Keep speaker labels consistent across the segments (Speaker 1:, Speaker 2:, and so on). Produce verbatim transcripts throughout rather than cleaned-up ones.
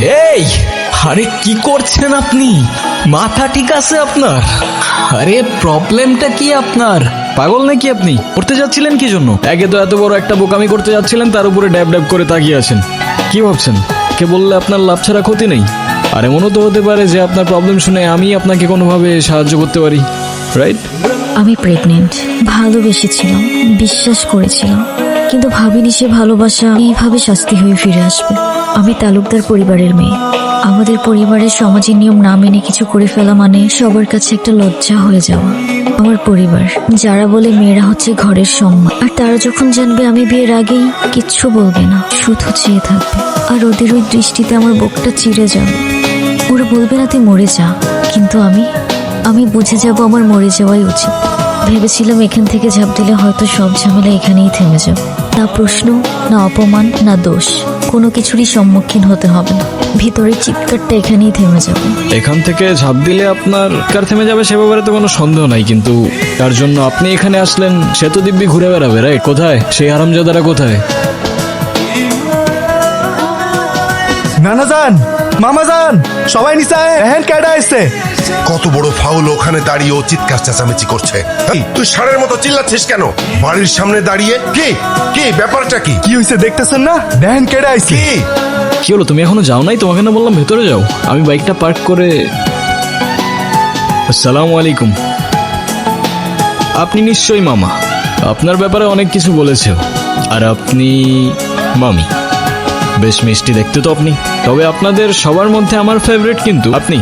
Speaker 1: এই, আরে কি করছেন আপনি? মাথা ঠিক আছে আপনার? আরে প্রবলেমটা কি আপনার? পাগল নাকি আপনি? করতে যাচ্ছিলেন কি জন্য? একে তো এত বড় একটা বোকামি করতে যাচ্ছিলেন, তার উপরে ড্যাব ড্যাব করে তাকিয়ে আছেন। কি ভাবছেন কে বললে আপনার লাভ ছাড়া ক্ষতি নেই? আর এমনও তো হতে পারে যে আপনার প্রবলেম শুনে আমি আপনাকে কোনোভাবে সাহায্য করতে পারি, রাইট?
Speaker 2: আমি প্রেগনেন্ট, ভালোবেসেছিলাম, বিশ্বাস করেছিলাম, কিন্তু ভাবিনি সে ভালোবাসা এইভাবে শাস্তি হয়ে ফিরে আসবে। আমি তালুকদার পরিবারের মেয়ে। আমাদের পরিবারের সমাজের নিয়ম না মেনে কিছু করে ফেলা মানে সবার কাছে একটা লজ্জা হয়ে যাওয়া। আমার পরিবার যারা বলে মেয়েরা হচ্ছে ঘরের সম্মান, আর তারা যখন জানবে আমি বিয়ের আগেই কিচ্ছু বলবে না, শুধু চেয়ে থাকবে, আর ওদের ওই দৃষ্টিতে আমার বুকটা চিড়ে যাবে। ওরা বলবে না তুই মরে যা, কিন্তু আমি আমি বুঝে যাব আমার মরে যাওয়াই উচিত। ভেবেছিলাম এখান থেকে ঝাঁপ দিলে হয়তো সব ঝামেলা এখানেই থেমে যাবে। না প্রশ্ন, না অপমান, না দোষ, কোনো কিছুরই সম্মুখীন হতে হবে না। ভিতরের চিৎকারটা এখানেই থেমে যাবে।
Speaker 1: এখান থেকে ঝাঁপ দিলে আপনার কার থেমে যাবে সে ব্যাপারে তো কোনো সন্দেহ নাই, কিন্তু তার জন্য আপনি এখানে আসলেন সে তো দিব্যি ঘুরে বেড়াবে, রাইট? কোথায় সেই হারামজাদারা? কোথায়?
Speaker 3: নানা যান, মামা যান, সবাই নিচে আয়, হ্যান্ড কাটা আসছে।
Speaker 4: কত বড় ফাউল, ওখানে দাঁড়িয়ে ও চিৎকার চেঁচামেচি করছে। এই, তুই ষাঁড়ের মতো চিল্লাচ্ছিস কেন বাড়ির সামনে দাঁড়িয়ে? কি কি ব্যাপারটা কি?
Speaker 3: কি হয়েছে দেখতেছেন না? হ্যান্ড কাটা আসছে।
Speaker 4: কি
Speaker 1: কি হলো? তুমি এখনো যাও নাই? তোমাকে না বললাম ভেতরে যাও। আমি বাইকটা পার্ক করে। আসসালামু আলাইকুম। আপনি নিশ্চয়ই মামা। আপনার ব্যাপারে অনেক কিছু বলেছে, আর আপনি মামি। বেশ মিষ্টি দেখতে তো আপনি। তবে আপনাদের সবার মধ্যে আমার ফেভারিট কিন্তু আপনি।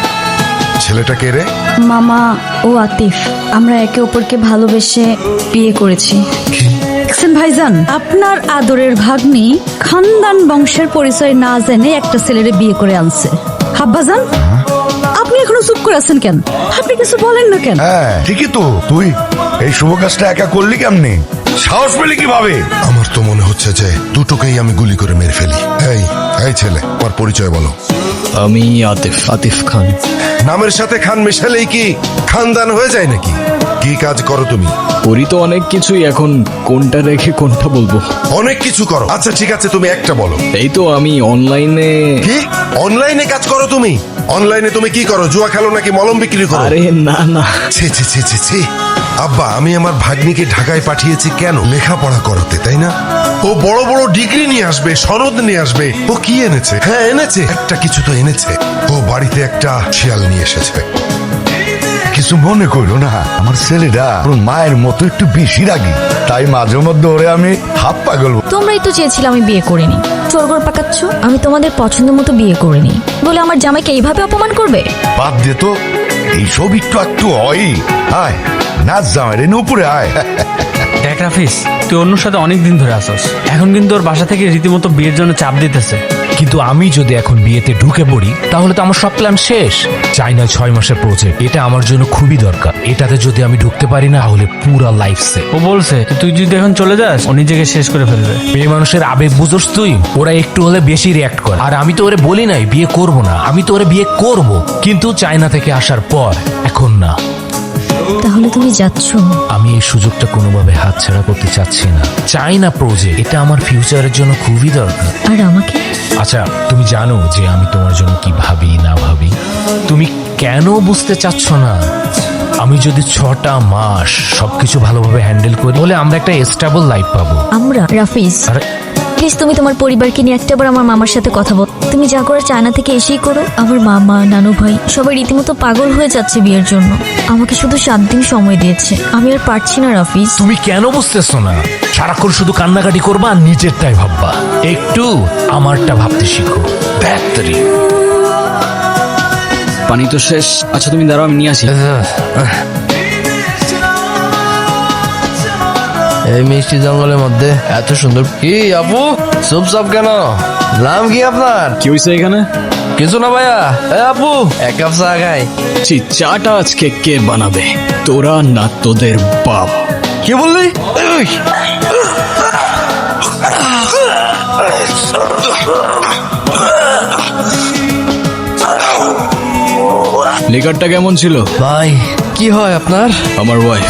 Speaker 4: ছেলেটা কে রে?
Speaker 5: মামা ও আতিফ, আমরা একে অপরকে ভালোবেসে বিয়ে করেছি। দেখছেন ভাইজান, আপনার আদরের ভাগ্নি খানদান বংশের পরিচয় না জেনে একটা ছেলেরে বিয়ে করে আনছে। হাব্বাজান, আপনি এখনো চুপ করে আছেন কেন? আপনি কিছু বলেন না কেন?
Speaker 6: হ্যাঁ ঠিকই তো, তুই এই শুভ কাজটা একা করলি কেমনে? সাহস পেলি কিভাবে?
Speaker 4: আমার তো মনে হচ্ছে যে দুটোকেই আমি গুলি করে মেরে ফেলি। এই এই ছেলে, তোমার পরিচয় বলো।
Speaker 1: আমি আতিফ, আতিফ খান।
Speaker 4: নামের সাথে খান মেশালেই কি খানদান হয়ে যায় নাকি? কি কাজ করো তুমি?
Speaker 1: করি তো অনেক কিছুই, এখন কোনটা রেখে কোনটা বলবো?
Speaker 4: অনেক কিছু করো। আচ্ছা ঠিক আছে, তুমি একটা বলো।
Speaker 1: এই তো আমি অনলাইনে।
Speaker 4: কি অনলাইনে কাজ করো তুমি? অনলাইনে তুমি কি করো? জুয়া খেলো নাকি মলম বিক্রি করো?
Speaker 1: আরে না না।
Speaker 4: ছি ছি ছি ছি ছি। আব্বা, আমি আমার ভাগ্নিকে ঢাকায় পাঠিয়েছি কেন? লেখাপড়া করাতে, তাই না? ও বড় বড় ডিগ্রি নিয়ে আসবে, সনদ নিয়ে আসবে। ও কি এনেছে? হ্যাঁ এনেছে, একটা কিছু তো এনেছে। ও বাড়িতে একটা শিয়াল নিয়ে এসেছে।
Speaker 6: কিছু মনে করো না, আমার ছেলেটা ওর মায়ের মতো একটু বেশি রাগি, তাই মাঝে মধ্যে ওরে আমি হাফ পাগল।
Speaker 2: তোমরাই তো চেয়েছিলে আমি বিয়ে করিনি, চোরগোর পাকাচ্ছ। আমি তোমাদের পছন্দ মতো বিয়ে করিনি বলে আমার জামাইকে এইভাবে অপমান করবে?
Speaker 6: বাদ দে তো, এইসব একটু একটু হয়। আয় নাচ জামাই রে, উপরে আয়।
Speaker 7: দেখ রাফিস, তুই অন্য সাথে অনেক দিন ধরে আসস, এখন কিন্তু ওর বাসা থেকে রীতিমতো বিয়ের জন্য চাপ দিতেছে।
Speaker 8: কিন্তু আমি যদি এখন বিয়েতে ঢুকে পড়ি তাহলে তো আমার সব প্ল্যান শেষ। চাইনা ছয় মাসের প্রজেক্ট, এটা আমার জন্য খুবই দরকার। এটাতে যদি আমি ঢুকতে পারি না তাহলে পুরা লাইফ সে।
Speaker 7: ও বলছে তুই যদি এখন চলে যাস ও নিজেকে শেষ করে ফেলবে।
Speaker 8: মেয়ে মানুষের আবেগ বুঝোস তুই? ওরা একটু হলে বেশি রিয়াক্ট করে। আর আমি তো ওরে বলি নাই বিয়ে করব না, আমি তো ওরে বিয়ে করব, কিন্তু চাইনা থেকে আসার পর, এখন না।
Speaker 2: তাহলে তুমি যাচ্ছ?
Speaker 8: আমি এই সুযোগটা কোনোভাবে হাতছাড়া করতে চাচ্ছি না। চাইনা প্রজেক্ট, এটা আমার ফিউচারের জন্য খুবই দরকার।
Speaker 2: আর আমাকে?
Speaker 8: আচ্ছা তুমি জানো যে আমি তোমার জন্য কি ভাবি না ভাবি? তুমি কেন বুঝতে চাচ্ছ না? আমি যদি ছটা মাস সবকিছু ভালোভাবে হ্যান্ডেল করি তাহলে আমরা একটা স্টেবল লাইফ পাবো।
Speaker 2: আমরা? রাফিজ
Speaker 8: আরে
Speaker 2: প্লিজ, তুমি তোমার পরিবারকে নিয়ে একটাবার আমার মামার সাথে কথা বল। তুমি যা করে চায়না থেকে এসেই করো। আমার মামা, নানু ভাই সবাই রীতিমতো পাগল হয়ে যাচ্ছে বিয়ের জন্য। আমাকে শুধু সাত দিন সময় দিয়েছে, আমি আর পারছি না রাফিজ।
Speaker 8: তুমি কেন বুঝতেছো না? সারাক্ষণ শুধু কান্নাকাটি করবা আর নিজেরটাই ভাববা। একটু আমারটা ভাবতে শিখো। ব্যাটারি
Speaker 1: পানি তো শেষ। আচ্ছা তুমি দাঁড়াও, আমি নিয়ে আসি।
Speaker 9: এই মিষ্টি জঙ্গলের মধ্যে এত সুন্দর। কি আপু চুপচাপ কেন? নাম কি আপনার?
Speaker 1: কি হয়েছে এখানে?
Speaker 9: কিছু না ভাইয়া। এ আপু এক কাপ চা খাই।
Speaker 1: ছি, চাটা আজকে কে বানাবে? তোরা না তোদের বাপ?
Speaker 9: কি বললি?
Speaker 1: লিকারটা কেমন ছিল?
Speaker 9: ভাই কি হয় আপনার?
Speaker 1: আমার ওয়াইফ।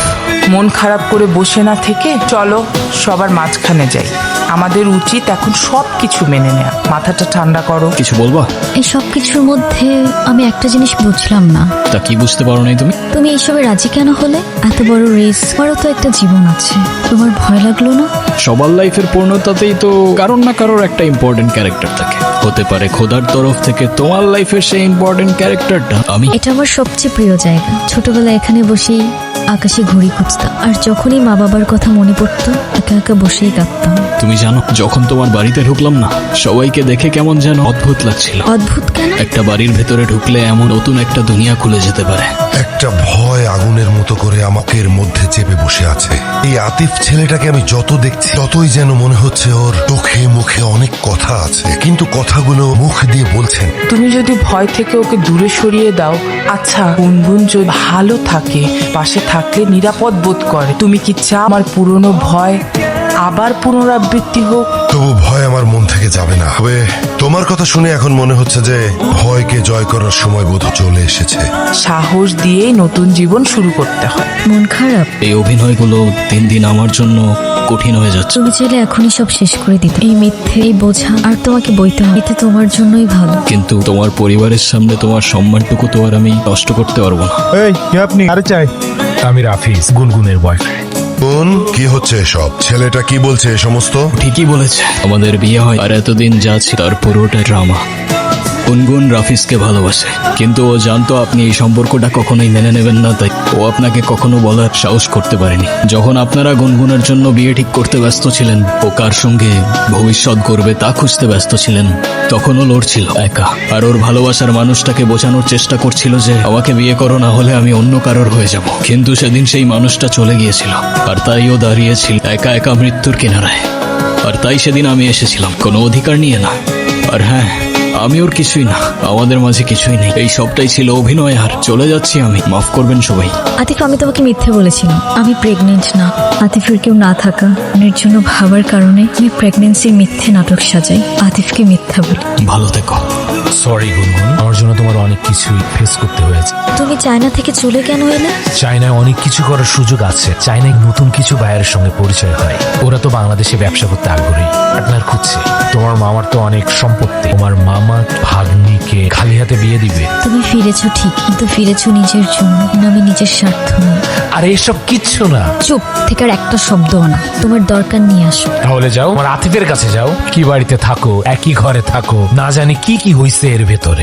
Speaker 10: মন খারাপ করে বসে না থেকে চলো সবার মাঝখানে যাই। আমাদের উচিত এখন সব কিছু মেনে নেওয়া। মাথাটা ঠান্ডা করো।
Speaker 1: কিছু বলবা?
Speaker 2: এই সব কিছুর মধ্যে আমি একটা জিনিস বুঝলাম না।
Speaker 1: তা কি বুঝতে পারো নাই তুমি?
Speaker 2: তুমি এইসবে রাজি কেন হলে? এত বড় রেস, তোমারও তো একটা জীবন আছে, তোমার ভয় লাগলো না?
Speaker 1: সবার লাইফের পূর্ণতাতেই তো কারোর না কারোর একটা ইম্পর্টেন্ট ক্যারেক্টার থাকে। হতে পারে খোদার তরফ থেকে তোমার লাইফের সেই ইম্পর্টেন্ট ক্যারেক্টারটা আমি।
Speaker 2: এটা আমার সবচেয়ে প্রিয় জায়গা। ছোটবেলায় এখানে বসেই আকাশে ঘুড়ি খুঁজতাম, আর যখনই মা বাবার কথা মনে পড়তো একা একা বসেই কাঁদতাম।
Speaker 1: তুমি জানো, যখন তোমার বাড়িতে ঢুকলাম না, সবাইকে দেখে কেমন যেন অদ্ভুত লাগছিল।
Speaker 2: অদ্ভুত কেন?
Speaker 1: একটা বাড়ির ভেতরে ঢুকলে এমন নতুন একটা দুনিয়া খুলে যেতে পারে।
Speaker 4: একটা ভয় আগুনের মতো করে আমাকে এর মধ্যে চেপে বসে আছে। এই আতিফ ছেলেটাকে আমি যত দেখছি ততই যেন মনে হচ্ছে ওর চোখে মুখে অনেক কথা আছে, কিন্তু কথাগুলো মুখ দিয়ে বলছেন।
Speaker 10: তুমি যদি ভয় থেকে ওকে দূরে সরিয়ে দাও, আচ্ছা গুনগুন যদি ভালো থাকে, পাশে থাকলে নিরাপদ বোধ করে, তুমি কি চাও আমার পুরনো ভয় আবার পুনরাবৃত্তি হোক?
Speaker 4: তবু ভয় আমার মন থেকে যাবে না। তবে তোমার কথা শুনে এখন মনে হচ্ছে যে ভয়কে জয় করার সময় বোধ চলে এসেছে।
Speaker 10: সাহস দিয়ে নতুন জীবন শুরু করতে হয়।
Speaker 2: মন খারাপ?
Speaker 1: এই অভিনয়গুলো দিন দিন আমার জন্য কঠিন হয়ে যাচ্ছে।
Speaker 2: তুমি চাইলে এখনই সব শেষ করে দিতে। এই মিথ্যে, এই বোঝা আর তোমাকে বইতে হবে, এতে তোমার জন্যই ভালো।
Speaker 1: কিন্তু তোমার পরিবারের সামনে তোমার সম্মানটুকু তো আর আমি নষ্ট করতে পারবো না।
Speaker 3: এই কে আপনি? আরে চাই।
Speaker 8: আমি রাফিজ, গুনগুনের বয়ফ্রেন্ড।
Speaker 4: বোন, কি হচ্ছে এসব? ছেলেটা কি বলছে এ সমস্ত?
Speaker 1: ঠিকই বলেছে, আমাদের বিয়ে হয় আর এতদিন যা ছিল তার পুরোটা ড্রামা। গুনগুন রাফিজকে ভালোবাসে, কিন্তু ও জানতো আপনি এই সম্পর্কটা কখনোই মেনে নেবেন না, তাই ও আপনাকে কখনো বলার সাহস করতে পারেনি। যখন আপনারা গুনগুনের জন্য বিয়ে ঠিক করতে ব্যস্ত ছিলেন, ও কার সঙ্গে ভবিষ্যৎ গড়বে তা খুঁজতে ব্যস্ত ছিলেন, তখন ও লড়ছিল একা। আর ওর ভালোবাসার মানুষটাকে বোঝানোর চেষ্টা করছিল যে আমাকে বিয়ে করো, না হলে আমি অন্য কারোর হয়ে যাব। কিন্তু সেদিন সেই মানুষটা চলে গিয়েছিল, আর তাই ও দাঁড়িয়েছিল একা একা মৃত্যুর কিনারায়। আর তাই সেদিন আমি এসেছিলাম কোনো অধিকার নিয়ে না। আর হ্যাঁ, আমি ওর কিছুই না, আমাদের মাঝে কিছুই নেই। এই সবটাই ছিল অভিনয়, আর চলে যাচ্ছি আমি। মাফ করবেন সবাই।
Speaker 2: আতিফ, আমি তোমাকে মিথ্যে বলেছিলাম। আমি প্রেগনেন্ট না। আতিফের কেউ না থাকা এর জন্য ভাবার কারণে আমি প্রেগনেন্সির মিথ্যে নাটক সাজাই, আতিফকে মিথ্যা বলি।
Speaker 1: ভালো থেকো।
Speaker 8: সরি গুনগুন, আমার জন্য তোমার অনেক কিছুই ফেস করতে হয়েছে।
Speaker 2: তুমি চায়না থেকে চলে কেন এলে?
Speaker 8: চায়নায় অনেক কিছু করার সুযোগ আছে। চায়নায় নতুন কিছু বায়ের সঙ্গে পরিচয় হয়। ওরা তো বাংলাদেশে ব্যবসা করতে আগ্রহী, পার্টনার খুঁজছে। তোমার মামার তো অনেক সম্পত্তি, তোমার মামা ভাগ্নিকে খালি হাতে বিয়ে দিবে।
Speaker 2: তুমি ফিরেছো ঠিক, কিন্তু ফিরেছো নিজের জন্য, আমি নিজের স্বার্থ নয়।
Speaker 8: আর এসব কিচ্ছু না।
Speaker 2: চুপ থেকে আর একটা শব্দও না। তোমার দরকার নিয়ে আসো।
Speaker 8: তাহলে যাও, আমার আতিফের কাছে যাও। কি বাড়িতে থাকো, একই ঘরে থাকো, না জানি কি কি হইছে এর ভেতরে।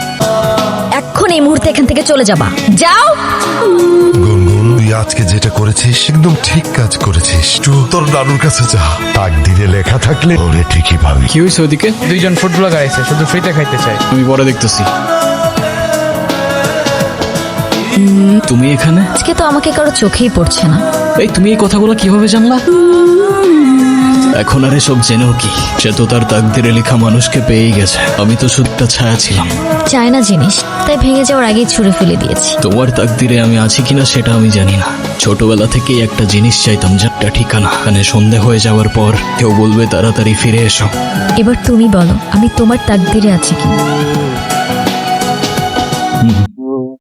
Speaker 2: এখন এই মুহূর্তে এখান থেকে চলে যাবা, যাও।
Speaker 4: গুনগুন, তুই আজকে যেটা করেছিস একদম ঠিক কাজ করেছিস। একটু তোর দাদুর কাছে যা।
Speaker 6: তাকদিরে লেখা থাকলে ওরে ঠিকই পাবি।
Speaker 1: কি হয়েছে ওদিকে?
Speaker 7: দুইজন ফুড ব্লগার আছে, শুধু ফ্রিতে খাইতে চাই।
Speaker 1: আমি পরে দেখতেছি। তুমি এখানে?
Speaker 2: আজকে তো আমাকে কারো চোখেই পড়ছে না।
Speaker 1: এই তুমি এই কথাগুলো কিভাবে জানলা? এখন আর এসব জেনেও কি? সে তো তার তাকদিরে লেখা মানুষকে পেয়েই গেছে। আমি তো শুধুটা ছায়া ছিলাম।
Speaker 2: চায়না জিনিস, তাই ভেঙে যাওয়ার আগেই ছুঁড়ে ফেলে দিয়েছি।
Speaker 1: তোমার তাকদিরে আমি আছি কিনা সেটা আমি জানি না। ছোটবেলা থেকেই একটা জিনিস চাইতাম, যাটা ঠিকানা। এখানে সন্ধে হয়ে যাওয়ার পর কেউ বলবে তাড়াতাড়ি ফিরে এসো।
Speaker 2: এবার তুমি বলো, আমি তোমার তাকদিরে আছি কি?